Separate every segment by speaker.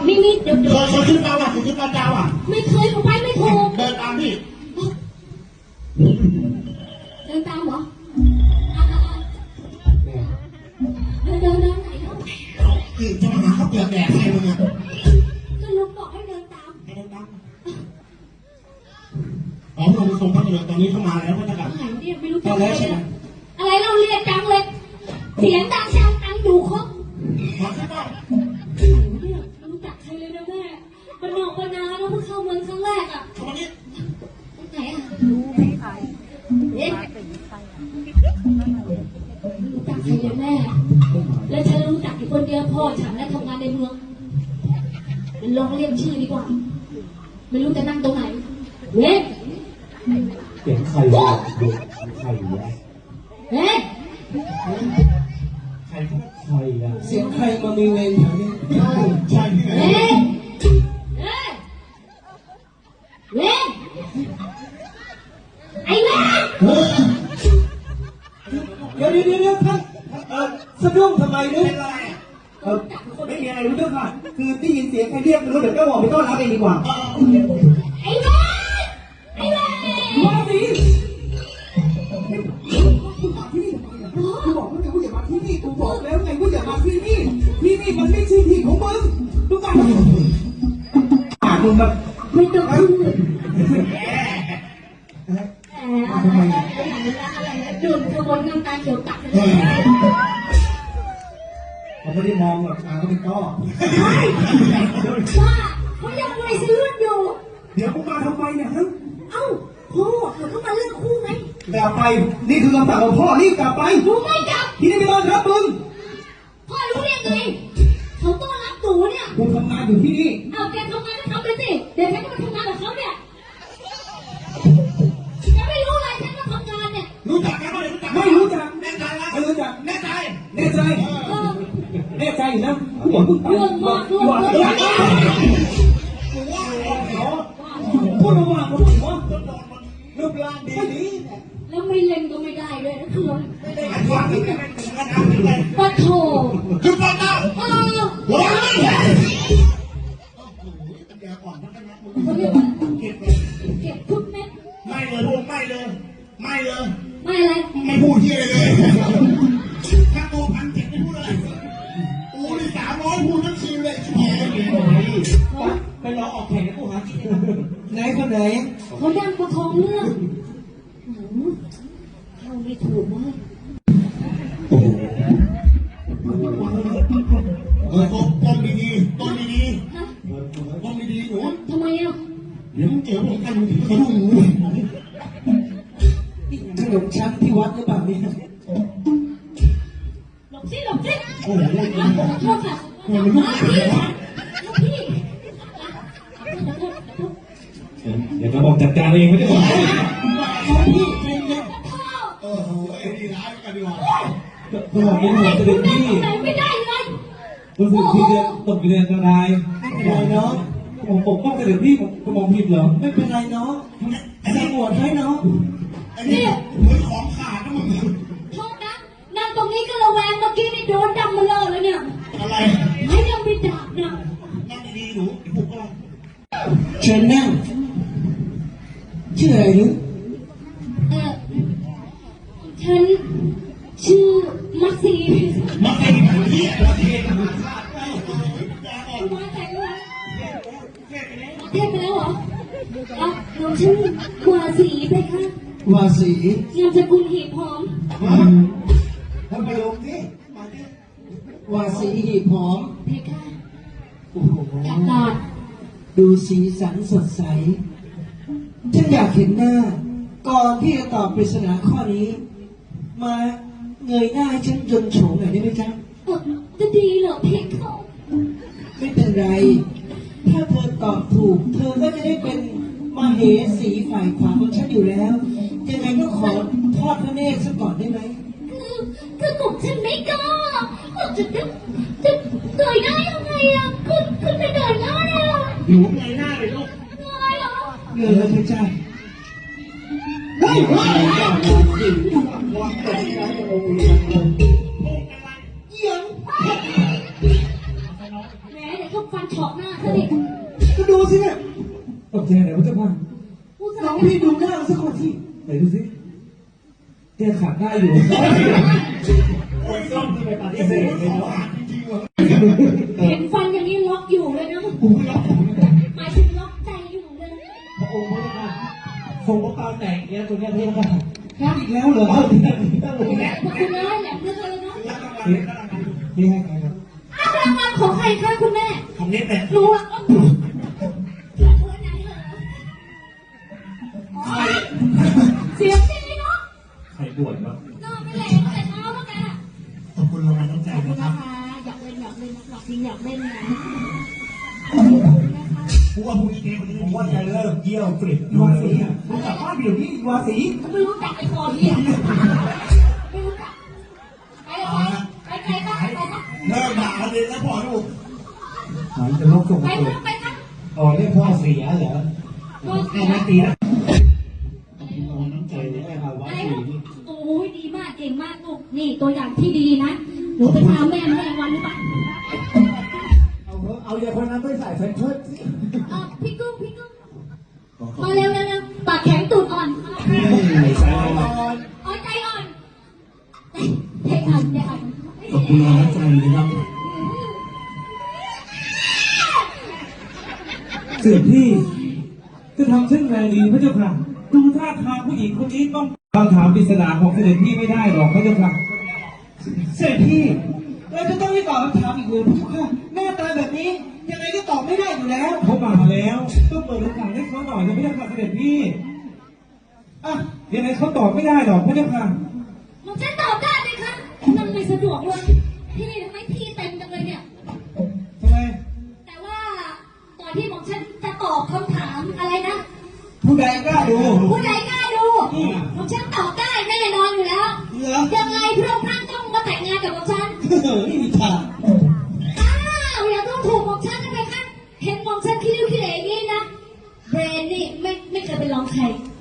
Speaker 1: นี่เดี๋ยว
Speaker 2: เคยขึ้นมาว่ะขึ้นมาเจ้าอ่ะ
Speaker 1: ไม่เคยผมไปไม่ถูก
Speaker 2: เดินตามพี่
Speaker 1: เดินตามเหรอเดินไหนแล้ว
Speaker 2: คือจะมาหาเขาเปลือกแดดให้มึงเนี่ย
Speaker 1: ก็ลุงบอกให้เดินตาม
Speaker 2: อ๋อลงทรงพระเหลืองตอนนี้เข้ามาแล้วก็จะกลับ
Speaker 1: ไม่รู้จักเลยอะไรเราเรียกจังเลยเสียงดังชังอังดูครบรู้จักใครเลยนะแม่มันนอกมานานแล้วเพิ่งเข้าเมืองครั้งแรกอ่ะ
Speaker 2: เข้ามานี่
Speaker 1: ไหนอ่ะรู้ไม่ใครเอ๊ะรู้จักใครเลยแม่และฉันรู้จักอยู่คนเดียวพ่อฉันและทำงานในเมืองลองเรียกชื่อดีกว่าไม่รู้จะนั่งตรงไหนเว้ย
Speaker 3: เสียงใครวะใครวะ
Speaker 1: เฮ้ย
Speaker 3: ใครอะเสียงใครมามีเวรแถวนี้
Speaker 2: ใช่ที่ไหน
Speaker 1: เว้ยไอ้แม่
Speaker 3: เดี๋ยวท่านสะดุ้งทำไมเนี่ยไม่มีอะไรรู้เรื่องค่ะคือได้ยินเสียงใครเรียกไม่รู้เดี๋ยวก็บอกไปต้อนรับเองดีกว่า
Speaker 1: ไอ้แม่
Speaker 3: มาสิกูบอกว่ากูอย่ามาที่นี่กูบอกแล้วไงว่าอย่ามาที่นี่มันไม่ใช่ที่ของมึงทุกคนมึงแบบ
Speaker 1: ไม่ต้องพูด
Speaker 3: ทำไม
Speaker 1: ดูดขบวนน้ำตาเขียวตัด
Speaker 3: เขาไม่ได้มองหรอกเขาเป็นต้อ
Speaker 1: ว่าเขายังไม่ซื้ออยู่
Speaker 3: เดี๋ยวกูมาทำไมเนี่ยฮะ
Speaker 1: เอ้าพ่อเขาก็มาเลือกคู่ไง
Speaker 3: กลับไปนี่คือคำสั่งของพ่อรีบกลับไป
Speaker 1: หนูไม่กลับ
Speaker 3: ที่นี่ไม่ต้อนรับมึง
Speaker 1: พ่อรู้ยังไงเขาต้อนรับหนูเนี่ย
Speaker 3: กูทำงานอยู่ที่นี่
Speaker 1: เอาแกทำงานก็ทำไปสิเดี๋ยวฉันก็มาทำงานกับเขาเนี่ยแกไม่รู้อะไรฉันก็ทำงานเนี่ย
Speaker 2: รู้จักกัน
Speaker 3: ไม่รู้จัก
Speaker 2: แน่ใจแล้ว
Speaker 3: ไม่รู้จัก
Speaker 2: แน่ใจ
Speaker 3: อยู่นะ
Speaker 1: เรื่องมากพูดระ
Speaker 3: วังรูปร่างดีนี้
Speaker 1: แล้วไม่เล็งก็ไม่ได้เลยนะคือปะโถ
Speaker 2: คือปะเต้าหัวไม่แข็งเดี๋ยวก่อน
Speaker 1: เขาเรียกว่าเก็บทุกเม็ด
Speaker 2: ไม่เลยพวกไม่เลย
Speaker 1: ไม่อะไร
Speaker 2: ไม่พูดที่อะไรเลยค่าตัว1,700ไม่พูดอะไรอูนี่300พูดทั้งคืนเลย
Speaker 3: ไปรอออกแข่งนะกูฮะไหนคนไหน
Speaker 1: เขาดังประคองเรื่องเข้าไม่ถูกมั้ย
Speaker 2: ต้นดีๆต้นดีหนู
Speaker 1: ทำไมอ่ะ
Speaker 2: เดี๋ยวมึงเจอผมกันมึงเขาดูงู
Speaker 3: ขนมชั้นที่วัดหรือเปล่าเนี่ย
Speaker 1: หลบสิ
Speaker 2: โอ้โห
Speaker 1: โทษค่ะพี่
Speaker 3: เดี๋ยวจะบอกจัดการเองไม่ได้หรอ
Speaker 2: พี่โอ้โหไอ้นี่ร้ายกันดีกว่า
Speaker 3: ก็บอกเป็นหัวเสด็จพี่
Speaker 1: ไม่ได้เลย
Speaker 3: รู้สึกที่จะตกอยู่ในอันตรายไม่เป็นไรเนาะผมปกป้องเสด็จพี่ผมมองผิดเหรอไม่เป็นไรเนาะสงวนให้เนาะ
Speaker 2: ไอ้นี่มือของขาดนะมึง
Speaker 1: โทษนะนั่งตรงนี้ก็ระแวงเมื่อกี้นี่โดนดำมาเลยแล้วเนี่ย
Speaker 2: อะไร
Speaker 1: ไม่ยังไม่ดับนะ
Speaker 2: นั่งดีๆหนูผูกอะไร
Speaker 3: เชิญนั่งชื่ออะไรลูก
Speaker 1: ฉันชื่อมักซี
Speaker 2: เฮียมาเทศมาชาติ
Speaker 1: มาแต่งแล้วเทศไปแล้วเหรอน้องชื่อวาสีไปค่ะ
Speaker 3: วาสี
Speaker 1: นามสกุลหีบหอม
Speaker 3: ทำไปลงที่วาสีหีบหอม
Speaker 1: เพคะ
Speaker 3: โอ้โห
Speaker 1: จับตา
Speaker 3: ดูสีสันสดใสฉันอยากเห็นหน้าก่อนที่จะตอบปริศนาข้อนี้มาเงยหน้าให้ฉันยนโฉมหน่อยได้ไหมจ๊ะ
Speaker 1: จะดีเหรอเพคะ
Speaker 3: ไม่เป็นไรถ้าเธอตอบถูกเธอก็จะได้เป็นมเหสีฝ่ายขวาของฉันอยู่แล้วยังไงก็ขอทอดพระเนตรซะก่อนได้ไหม
Speaker 1: คือผมฉันไม่กล้าผมจะเงยหน้ายังไงอ่ะคุณไปเงยหน้าเลยอ่ะ
Speaker 2: อยู่เงยหน้าเลยลูก
Speaker 1: เงยเหรอ
Speaker 3: เงยแล้วจ้าเฮ้ยแหม
Speaker 1: เดี๋ยวเขาฟันเฉาะหน้าเขาดิ
Speaker 3: ก็ดูสิเนี่ย
Speaker 4: ตกใจไหนพระเจ้าค่ะ
Speaker 1: ผู้ชา
Speaker 3: น้อย งพี่ดูหน้าสักคนที่
Speaker 4: ไหนดูสิแกขาดได้อยู่
Speaker 2: คนซ่อมที่ไปปฏิเสธเลยเนาะจริงๆว่ะ
Speaker 1: เห็นฟันอย่างนี้ล็อกอยู่เลยนะ
Speaker 2: กูไม่รับผมนะ
Speaker 1: หมายถึงล็อกใจอยู่เลย
Speaker 4: พระองค์พระเจ้าค่ะทรงพระเปล่าแตกเนี่ยตัวเนี้ยพระเจ้าค่ะ
Speaker 1: ครับ
Speaker 3: อีกแล้วเหรอ
Speaker 4: เอาที่นั่นที่นั่น
Speaker 1: ขอบคุณเลยแหลมเลือกเลยเนาะ
Speaker 2: รับรางวัลรับรางวัล
Speaker 4: นี่ให้ใครครับ
Speaker 1: อ้าวรางวัลของใครคะคุณแม่
Speaker 2: ของเน็ตแหละ
Speaker 1: รู้อ่ะเสียงดีเนาะ
Speaker 4: ใครด่วนวะ
Speaker 1: นอนไม่แหลงแต่เช้าแล้วกัน
Speaker 2: ขอบคุณรางวัลน้ำใจ
Speaker 1: ขอบคุ
Speaker 2: นะ
Speaker 1: ณ
Speaker 2: ครั
Speaker 1: นะ
Speaker 2: บ
Speaker 1: คะอยากเล่นอยากเล่นอยากจริงอยากเล่นนะ
Speaker 2: กูว่าพรุ่งนี้แกคนนี้
Speaker 4: ผมว่าจะเริ่มเยี่ยวกริบวาสีอ่ะผมกลับบ้านเดี๋ยวนี้วาสี
Speaker 1: ไม่รู้จักไอ้คอเหี้ยไม่รู้จักไปไกลบ้างไปนะ
Speaker 2: เริ่มด่าเลยแล้วพอลูก
Speaker 4: หายจะลบส่ง
Speaker 1: ไป
Speaker 4: ตัว
Speaker 1: นะไปนะ
Speaker 4: อ๋อเรียกพ่อเสียเหรอ
Speaker 1: ก็
Speaker 4: เอาไม่ตีนะเอาน้ำใจเลยไอ้ค่ะวา
Speaker 1: อะไร
Speaker 4: สี
Speaker 1: นะ
Speaker 4: นี่
Speaker 1: โอ้ยดีมากเก่งมากลูกนี่ตัวอย่างที่ดีนะหนูไปพาแม่มาให้รางวัลหรือเปล่า
Speaker 4: เอาอย่าคนนั้นไปใส่แฟนเพิร์ดสิ
Speaker 1: พี่กุ้งมาเร็วเร็วเร็วปากแข็งตูดอ่อน
Speaker 4: ใส่มา
Speaker 1: อ๋อใจอ่อนใจอ่อนใจอ่อน
Speaker 4: ขอบคุณน้ำใจนะครับ เสื่อพี่จะทำเช่นไรดีพระเจ้าค่ะดูท่าทางผู้หญิงคนนี้ต้องคำถามปริศนาของเสด็จพี่ไม่ได้หรอกพระเจ้าค่ะ
Speaker 3: เสร็จพี่เราจะต้องไม่ตอบคำถามอีกเลยทุกข้าหน้าตาแบบนี้ยังไงก็ตอบไม่ได้อยู่แล้ว
Speaker 4: เขามาแล้วต้องเปิดโอกาสให้เขาหน่อยนะพระเจ้าค่ะเสด็จพี่อ่ะยังไงเขาตอบไม่ได้หรอกพระเจ้าค่ะ
Speaker 1: มันจะตอบได้ไหมคะนั่งไม่สะดวกเลยพี่ทำไมพี่เต็มจังเลยเนี่ย
Speaker 4: ทำไม
Speaker 1: แต่ว่าก่อนที่ผมจะตอบคำถามอะไรนะ
Speaker 3: ผู้ใดกล้าดู
Speaker 1: ผู้ใดกล้าดูผมฉันตอบได้แน่นอนอยู่แล้ว
Speaker 3: เหรอ
Speaker 1: ยังไงพระองค์ท่านต้องมาแต่งงานกับผมฉัน
Speaker 3: นี่มีทาง
Speaker 1: อ้าวอย่าต้องถูกผมฉันนะไหมคะเห็นผมฉันคิ้วขี้เหร่อย่างนี้นะเบรนนี่ไม่เคยเป็นรองใคร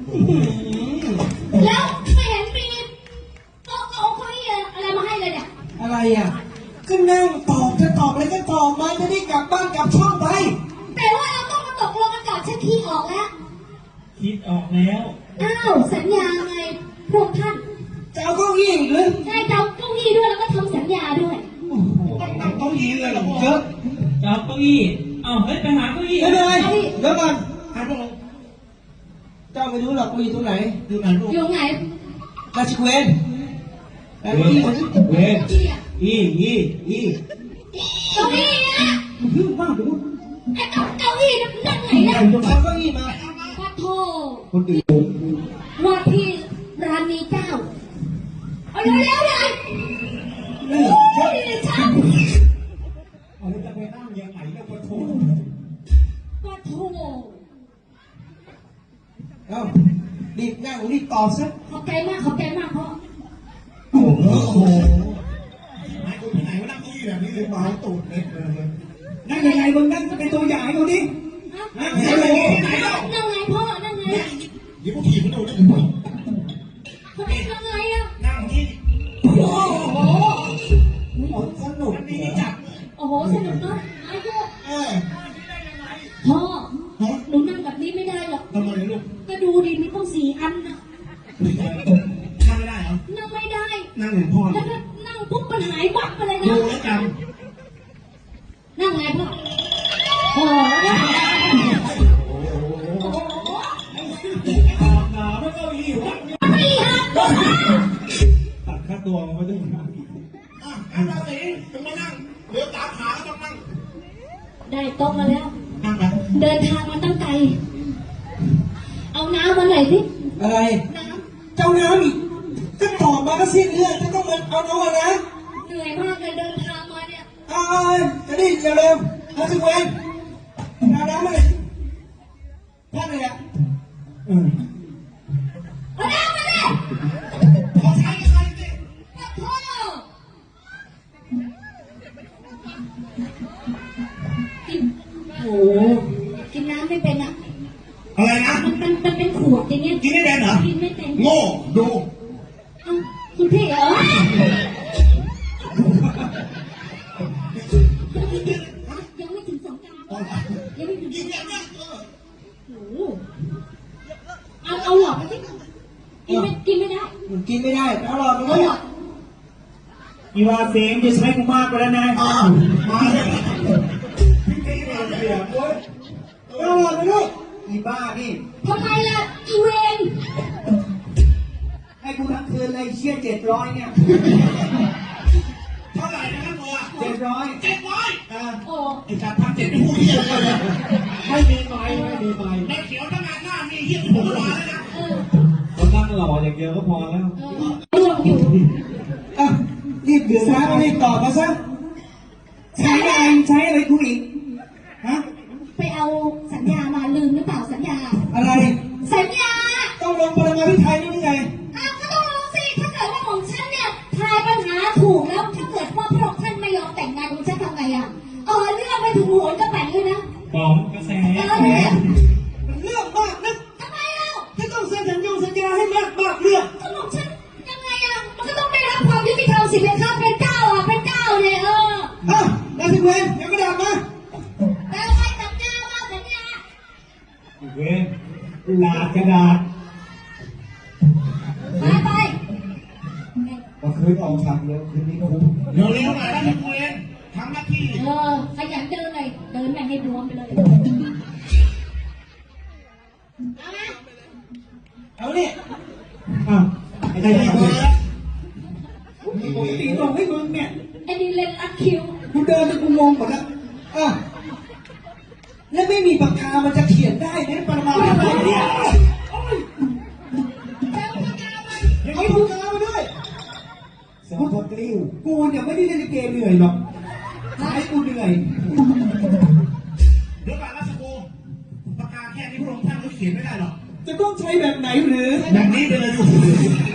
Speaker 1: แล้วไม่เห็นมีเอาเก้าอี้อะไรมาให้เลยเนี่ย
Speaker 3: อะไรอ่ะก็นั่งตอบจะตอบอะไรก็ตอบมาจะได้กลับบ้านกลับช่องไป
Speaker 1: แต่ว่าเราต้องมาตกลงกันก่อนฉันขี้ออกแล้ว
Speaker 4: คิดออกแล้ว
Speaker 1: อ้าวสัญญาไงพระองค์ท่าน
Speaker 3: จะเอาเก้าอี้อีกหรือ
Speaker 1: ได้เจ้าเก้าอี้ด้วยแล้วก็ทำสัญญาด้วย
Speaker 2: ต้องนั่งโต๊ะยีนเลยเหรอพ่อ
Speaker 3: เยอะ
Speaker 4: จะเอาเก้าอี้อ้าวเฮ้ยไปหาเก้าอี้
Speaker 3: ไม่เป็นไรเดี๋ยวก่อน
Speaker 2: ให้พวกเรา
Speaker 3: เจ้าไม่รู้หรอกว่าอยู่ตรงไหน
Speaker 2: ดูไหนลูก
Speaker 1: อยู่ไหน
Speaker 3: ราชเวนแต่เก้าอี้มัน
Speaker 4: เวน
Speaker 1: เก้าอี้อะ
Speaker 4: อี
Speaker 1: เก้าอี้นะ
Speaker 4: พึ่งมากเลย
Speaker 1: ไอ้เก้าอี้นั่งไหนล่ะ
Speaker 3: เอาเก้าอี้มา
Speaker 1: วัดโท
Speaker 4: คนอื่น
Speaker 1: ว่าที่ร้านนี้เจ้าเอาเร็วๆเลย
Speaker 3: นี่
Speaker 1: โอ้ยชัด
Speaker 4: เอาแล้วจะไปนั่งยังไงเนี่ยคนโทร
Speaker 1: วัดโท
Speaker 3: เอารีบนั่งรีบตอบซะ
Speaker 1: ขอบใจมากพ่อ
Speaker 3: โอ้โห
Speaker 2: ไหนกูที่ไหนว่านั่งเก้าอี้แบบนี้เลยเมาตูดเลย
Speaker 4: นั่งยังไงมึงนั่งเป็นตัวอย่างให้เขาดิ
Speaker 1: นั่ง
Speaker 2: นั่งไหนที่ไหนเล่า
Speaker 1: ไงพ่อนั่งไง
Speaker 2: เดี๋ยวพวกขี่มันดูได้ไหม
Speaker 1: เขาไม่นั่งไงอ่ะ
Speaker 2: นั่งนี่
Speaker 1: โอ้โห
Speaker 3: สนุก
Speaker 2: มันมีที่จับ
Speaker 1: โอ้โหสนุกเนาะอายุ
Speaker 3: เออ
Speaker 1: พ่อ
Speaker 2: ฮะ
Speaker 1: หนูนั่งแบบนี้ไม่ได้หรอก
Speaker 2: ทำไมลูก
Speaker 1: ก็ดูดิมีต้อง4 อันนะ
Speaker 2: นั่งไม่ได้เหรอ
Speaker 1: นั่งไม่ได้
Speaker 2: นั่งเหมือนพ่อ
Speaker 1: แล้วก็นั่งปุ๊บมันหายวับไปเลย
Speaker 2: ดู
Speaker 1: นะ
Speaker 2: แล้วจ
Speaker 1: นั่งไงพ่อโอ้โห
Speaker 4: อาบน้ำแล้วเก้าอี้วัด
Speaker 1: ไม่หัก
Speaker 4: ตัดค่าตัวมันไม่ได้มา
Speaker 2: ำอ่ะราศีถึงมานั่งเดี๋ยวตาขาก็ต้องนั่ง
Speaker 1: ได้โต๊ะมาแล้ว
Speaker 2: นั่งไป
Speaker 1: เดินทางมาตั้งไกล เอาน้ำมาหน่อยสิ
Speaker 3: อะไร
Speaker 1: น้
Speaker 3: เจ้าน้ำอีกก็ตอบมาก็สิ้นเรื่องจะต้องมาเอาน้องมานะ
Speaker 1: ำเหนื่อยมากเลยเดินทางมาเนี่ย
Speaker 3: เอาจะได้เร็วๆราชเวนเอาน้ำมาเลยท่านเลยอ่ะ
Speaker 1: เอาน้ำมาดิ
Speaker 2: เขาใช้ยังไงสิ
Speaker 1: พ่อกินโอ้กินน้ำไม่เป็นอ่ะ
Speaker 2: อะไรนะ
Speaker 1: มันเป็นขวดอย่างเงี้ย
Speaker 2: กินไม่เป็นเหรอ
Speaker 1: กินไม่เป็น
Speaker 2: โง่ดู
Speaker 1: เอ้าคุณพี่เหรอยังไม่ถึง2 ยังไม่
Speaker 2: ยิงแบบเนี้ย
Speaker 1: โอ้โหเอาหลอดมาสิกินไม่ได้
Speaker 3: กินไม่ได้เอาหลอดมา
Speaker 1: เอา
Speaker 3: ด้วย
Speaker 1: หลอด
Speaker 4: อีวาเซมจะใช้กูมากไปแล้วนะ
Speaker 2: มาเลยพี่มาเลย
Speaker 3: เอาหลอดมาด้วย
Speaker 5: อีบ้านี่
Speaker 1: ทำไมล่ะอีเวน
Speaker 5: ให้กูทั้งคืนเลยเชี่ย700เนี่ย
Speaker 2: เท่าไหร่นะครับตัว
Speaker 5: 700
Speaker 1: โอ้
Speaker 2: ไอ้สัตว์1,700ไม่พูดเหี้ยเลย
Speaker 5: ไม่มีไม้ไม่มีไม้
Speaker 2: ในเขียวตั้งงานหน้ามีเหี้ยผมก็มาแล้วนะ
Speaker 1: เออ
Speaker 4: คนนั่งหล่ออย่างเดียวก็พอแล้ว
Speaker 1: ร่วงอยู่
Speaker 3: อ่ะรีบดื่มน้ำรีบตอบมาซะ
Speaker 5: ใช้อะไรกูอีกฮะ
Speaker 1: ไปเอาสัญญามาลืมหรือเปล่าสัญญา
Speaker 3: อะไร
Speaker 1: สัญญา
Speaker 3: ต้องลงประมาพิไทยนี่ไง
Speaker 1: อ้าวก็ต้องรู้สิถ้าเกิดว่าของฉันเนี่ยทายปัญหาถูกแล้วถ้าเกิดว่าพระองค์ท่านไม่ยอมแต่งงานของฉันทำไงอ่ะเรื่องไปถึงโหนกระแป่งเลยนะ
Speaker 4: ปองกระแส
Speaker 1: เนี่ย
Speaker 3: มันเรื่องมากนะ
Speaker 1: ทำไมเล่า
Speaker 3: จะต้องเซ็นสัญญาให้มากเรื่อง
Speaker 1: ก็ของฉันยังไงอ่ะมันก็ต้องได้รับความยุติธรรมสิเป็นข้าเป็นเจ้าอ่ะเป็นเจ้าเนี่ย
Speaker 3: อ่ะนายสิเวนเดี๋ยวกระดาษมา
Speaker 1: แต่ไปสัญญาว่าสัญญา
Speaker 4: เวนลาดกระดาษ
Speaker 1: ไป
Speaker 5: เมื่อคืนออกฉากเดียวคืนนี้คุ้ม
Speaker 2: เดี๋ยวเร็วหน่อยนะพี่เวนทำหน้าที่
Speaker 1: ขยันเดินเลยเดินแม่งให้บวมไปเลยเอาไหม
Speaker 3: เอาเนี่ย
Speaker 4: อ้าว
Speaker 5: ไอ้ได้ยังไง
Speaker 3: ปกติต้องให้มึงเนี่ย
Speaker 1: ไอ้นี่เล่นรัดคิว
Speaker 3: กูเดินจนกูงงหมดแล้วอ่ะแล้วไม่มีปากกามันจะเขียนได้ไหมประมาณอะไรเนี่ยเอาปากกามาด้วย
Speaker 5: สองคนกลิ้ว
Speaker 3: กูเนี่ยไม่ได้เล่นลิเกเหนื่อยหรอกท้ายกูเหนื่อย
Speaker 2: เดี๋ยวก่อนราชกูปากกาแค่นี้พระองค์ท่านก็เขียนไม่ได้หรอก
Speaker 3: จะต้องใช้แบบไหนหรือ
Speaker 2: แบบนี้ไปเลย